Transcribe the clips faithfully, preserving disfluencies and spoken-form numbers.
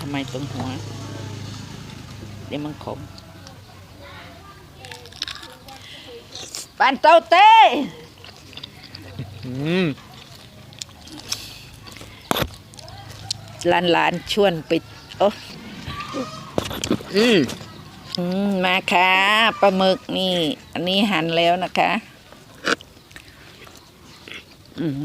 ำไมตรงหัวเดี๋ยวมันขมปานเต้าเต้หลานหลานชวนไปโอ้อืมอืมมาค่ะปลาหมึกนี่อันนี้หั่นแล้วนะคะอืม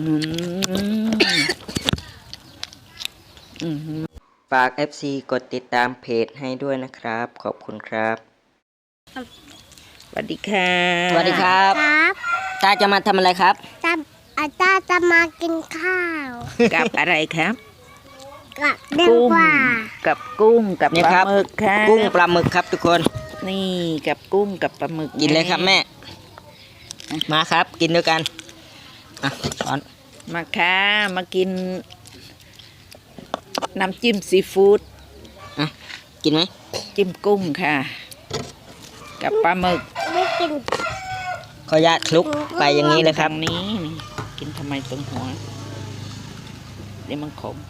อืมฝาก เอฟ ซี กดติดตามเพจให้ด้วยนะครับขอบคุณครับสวัสดีค่ะสวัสดีครับครับตาจะมาทำอะไรครับตาอาจารย์จะมากินข้าวกับอะไรครับกับเด้งกว่ากับกุ้งกับปลาหมึกค่ะกุ้งปลาหมึกครับทุกคนนี่กับกุ้งกับปลาหมึกกินเลยครับแม่มาครับกินด้วยกันอ่ะช้อนมาค่ะมากินน้ำจิ้มซีฟู้ดอ่ะกินไหมจิ้มกุ้งค่ะกับปลาหมึกไม่กินขออนุญาตคลุกไปอย่างนี้เลยครับนี้นี่กินทำไมตรงหัวเดี๋ยวมันขม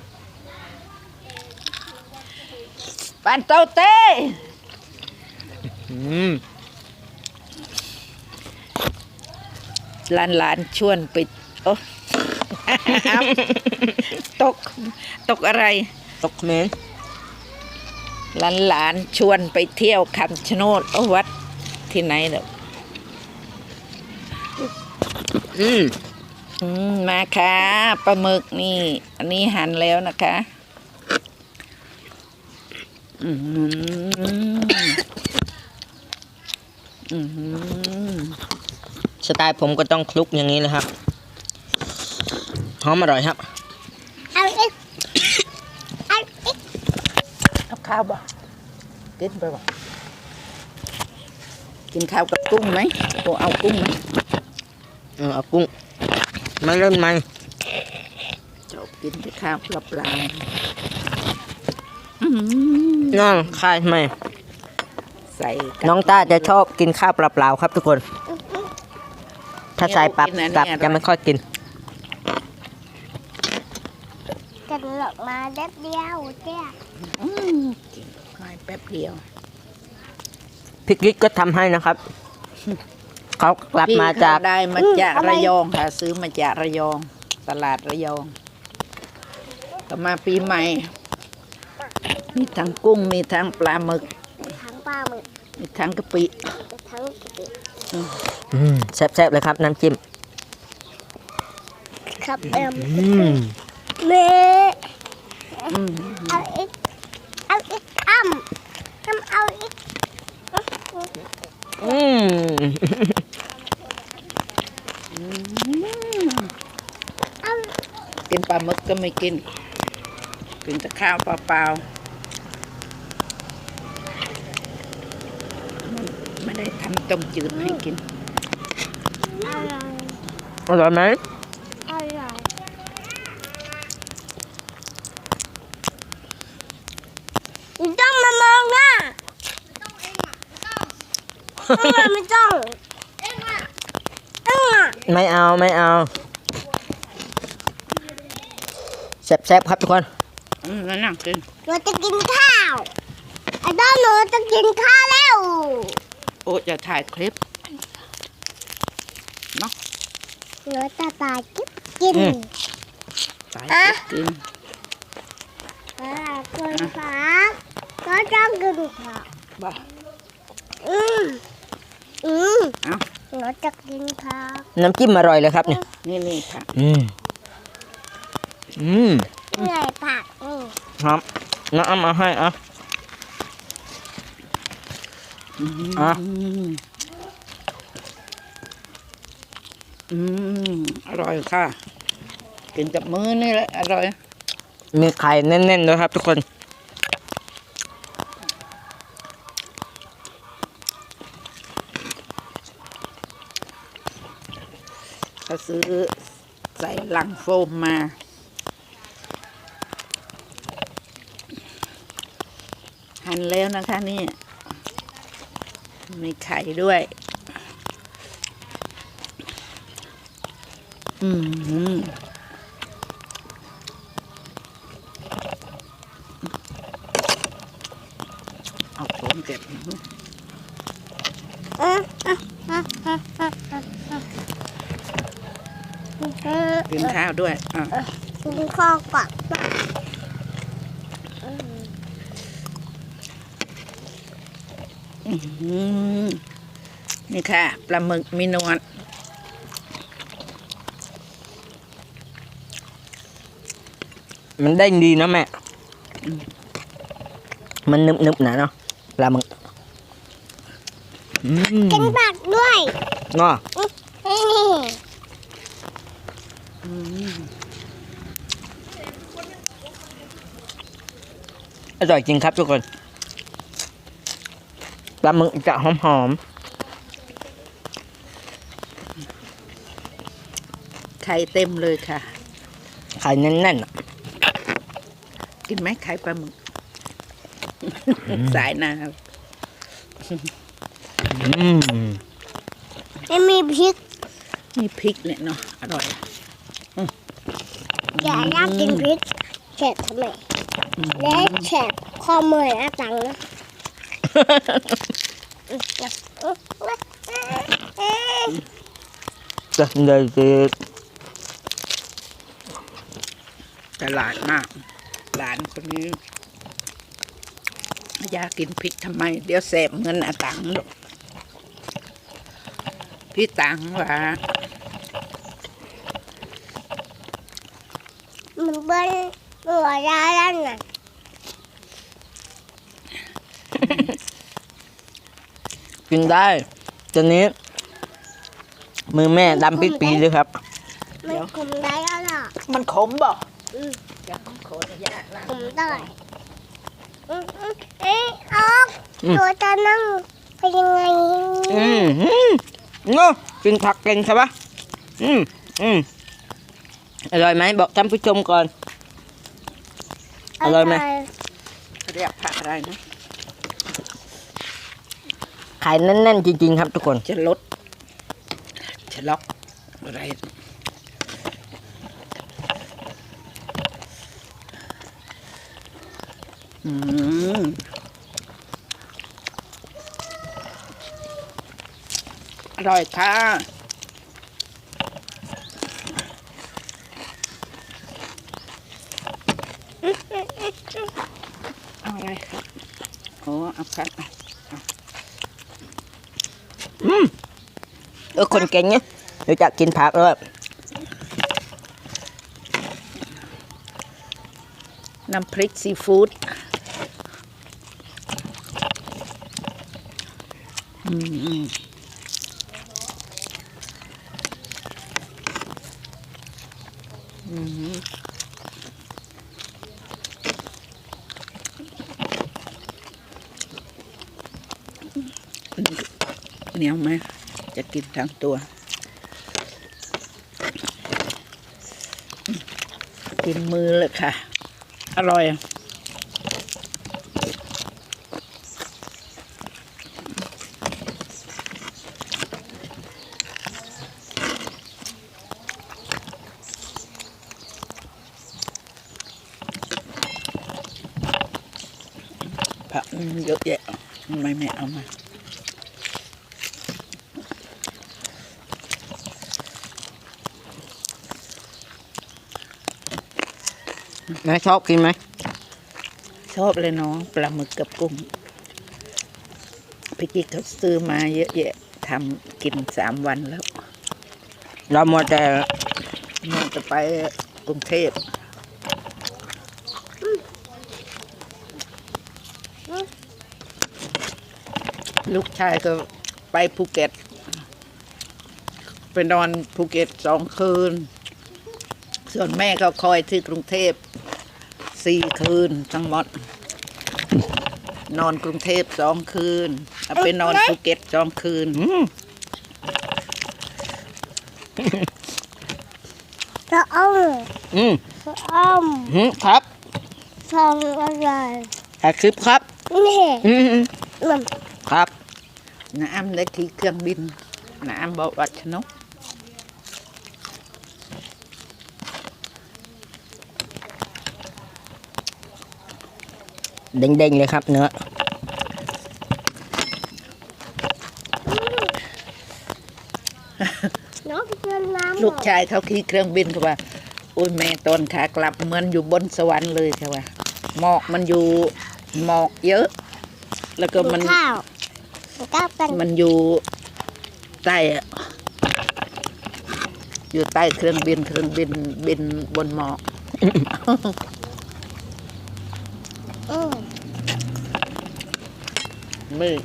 ปานเต้าเต้หลานหลานชวนไปโอ้ตกตกอะไรตกเมนหลานหลานชวนไปเที่ยวคำชะโนดโอ้วัดที่ไหนเด้ออืมอืมมาค่ะปลาหมึกนี่อันนี้หั่นแล้วนะคะอืมอืมสไตล์ผมก็ต้องคลุกอย่างนี้เลยครับหอมอร่อยครับเอาอีกเอาอีกเอาข้าวบ่กินไปบ่กินข้าวกับกุ้งไหมโอเอากุ้งไหมเออเอากุ้งไม่เล่นไหมชอบกินแต่ข้าวเปล่าๆน้องใครไหมใส่น้องต้าจะชอบกินข้าวเปล่าๆครับทุกคนถ้าใส่ปับตับจะไม่ค่อยกินกันหลอกมาแป๊บเดียวเจ้ากินค่อยแป๊บเดียวพี่กิ๊กก็ทำให้นะครับเขากลับมาจากได้มาจากระยองค่ะซื้อมาจากระยองตลาดระยองก็มาปีใหม่มีทั้งกุ้งมีทั้งปลาหมึกทั้งปลาหมึกมีทั้งกะปิทั้งกะปิแซ่บๆเลยครับน้ำจิ้มครับเอ็มเมเอาอีกเอาอีกอ้ำอ้ำเอาอีกอืมกินปลาหมึกก็ไม่กินกินแต่ข้าวเปล่าๆไม่ได้ทำต้มจืดให้กินอร่อยไหมอร่อยไม่ต้องมามองหน้าไม่ต้องเอ็งอ่ะเอ็งอ่ะไม่เอาไม่เอาแซ่บๆครับทุกคนอืมนั่งกินหนูจะกินข้าวไอ้ต้นหนูจะกินข้าวแล้วโอ้จะถ่ายคลิปเนาะหนูจะตายกินกินตายกินอ่าคนฟ้าก็ต้องกินข้าวบ้าอืมอืมหนูจะกินข้าวน้ำจิ้มอร่อยเลยครับเนี่ยนี่นี่ค่ะอืมอืมเหนื่อยผักนี่ครับน้ำมาให้อ่ะอ่ะอืมอร่อยค่ะกินกับมือนี่แหละอร่อยมีไข่แน่นๆด้วยครับทุกคนเขาซื้อใส่ลังโฟมมาหั่นแล้วนะคะนี่มีไข่ด้วยอืมเก็บเอ๊ะเอ๊ะเอ๊ะเอ๊ะเอ๊ะเอ๊ะกินข้าวด้วยอ่ะกินข้าวก่อนอื้อหือนี่ค่ะปลาหมึกมีนวลมันได้ดีนะแม่มันนึบๆนะเนาะปลาหมึกอืมกินผักด้วยเนาะนี่อร่อยจริงครับทุกคนปลาหมึกจะหอมไข่เต็มเลยค่ะๆไข่แน่นๆอะกินไหมไข่ปลาหมึก สายน้อืมไม่มีพริกำมีพริกเนี่ยเนาะอร่อยอย่าอยากกินพริกเฉดทำไมและเฉดข้อมืออาตังนะจะเลยจะตลาดมาก หลานคนนี้อยากกินพริกทำไม เดี๋ยวเสพเงินอาตังค์ลูกพี่ตังว่ามันเป็นหัวยาแล้วน่ะกินได้ตอนนี้มือแม่ดำปิดปีเลยครับมันคุมได้แล้วล่ะมันขมบ่อืมจะต้องขออนุญาตนะคุมได้อืมอืมเอ๊ะออกตัวจะนั่งเป็นยังไงอืมอืมเนาะกินผักเก่งใช่ปะอืมอืมอร่อยไหมบอกท่านผู้ชมก่อน อร่อยไหมเรียกผักอะไรนะไข่แน่นๆจริงๆครับทุกคนจะลดจะล็อกอะไรอืมอร่อยค่ะเอาอะไรครับโอ้เอาครับเออคนเก่งเนี่ยเดี๋ยวจะกินผักแล้วน้ำพริกซีฟู้ดอืมอืมเหนียวไหม จะกินทั้งตัว กินมือเลยค่ะ อร่อยผักเยอะแยะทำไมไม่เอามาแม่ชอบกินไหมชอบเลยน้องปลาหมึกกับกุ้งพี่กิ๊กเขาซื้อมาเยอะแยะทำกินสามวันแล้วเราหมดแต่มันจะไปกรุงเทพลูกชายก็ไปภูเก็ต ไปนอนภูเก็ตสองคืน ส่วนแม่ก็คอยที่กรุงเทพสี่คืนทั้งหมด นอนกรุงเทพสองคืนแล้วไปนอนภูเก็ตสองคืนอืมจะเอาอืมจะเอาอืมครับทำอะไรถ่ายคลิปครับนี่อืมอืมมันครับน้ำได้ที่เครื่องบิน น้ำบอกวัชนกเด้งๆเลยครับเนื้อลูกชายเขาขี่เครื่องบินเขาว่าโอ้ยแม่ตอนขากลับเหมือนอยู่บนสวรรค์เลยเขาว่าหมอกมันอยู่หมอกเยอะ แล้วก็มันข้าวข้าวกันมันอยู่ใต้อะอยู่ใต้เครื่องบินเครื่องบินบินบนหมอกอืมมือ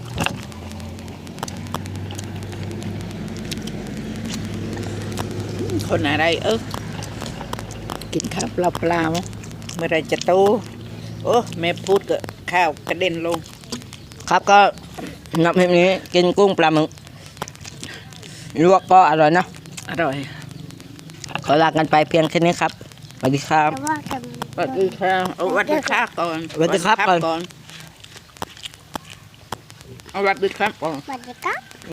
คนอะไรเออกินข้าวเปล่าๆเมื่อไรจะโตโอ้แม่พูดก็ข้าวกระเด็นลงครับก็นับเทปนี้กินกุ้งปลาหมึกลวกก็อร่อยนะอร่อยขอลากันไปเพียงแค่นี้ครับสวัสดีครับแต่ว่ากันสวัสดีค่ะเอาสวัสดีค่ะก่อนสวัสดีครับก่อนเอาสวัสดีครับก่อนสวัสดีครับ